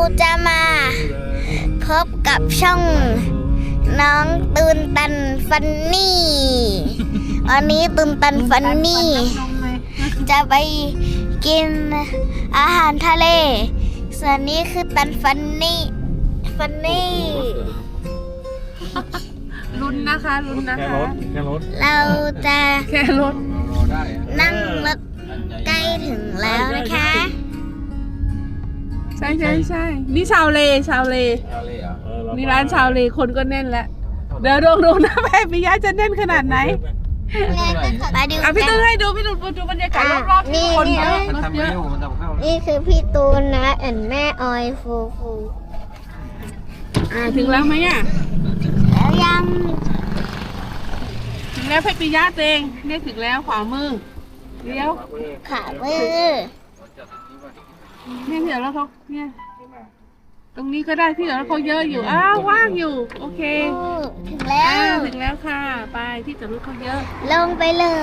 จะมาพบกับช่องน้องตูนตันฟันนี่วันนี้ตูนตันฟันนี่จะไปกินอาหารทะเลส่วนนี้คือตันฟันนี่ลุ้นนะคะลุ้นนะคะแค่รถเราจะแค่รถรอได้นั่งรถใกล้ถึงแล้วนะคะใช่นี่ชาวเลนี่ร้านชาวเลคนก็แน่นแล้วเดี๋ยวดูนะแม่ปิยะจะแน่นขนาดไหนมาดูอ่ะพี่กัตุ้นยให้ดูพี่ตุ้ยดูบรรยากาศรอบๆที่คนเยอะมันรถทำเยไม่อะอยู่มันทำเข้านี่คือพี่ตูนนะแม่ออยฟูถึงแล้วไหมอ่ะแล้วยังถึงแล้วพี่ปิยะเองเนี่ยถึงแล้วขวามือเลี้ยวขามือเนี่ยเดี๋ยวแล้วเขาเนี่ยตรงนี้ก็ได้ที่เดี๋ยวแล้วเขาเยอะอยู่อ้าวว่างอยู่โอเคถึงแล้วถึงแล้วค่ะไปที่จอดรถเขาเยอะลงไปเลย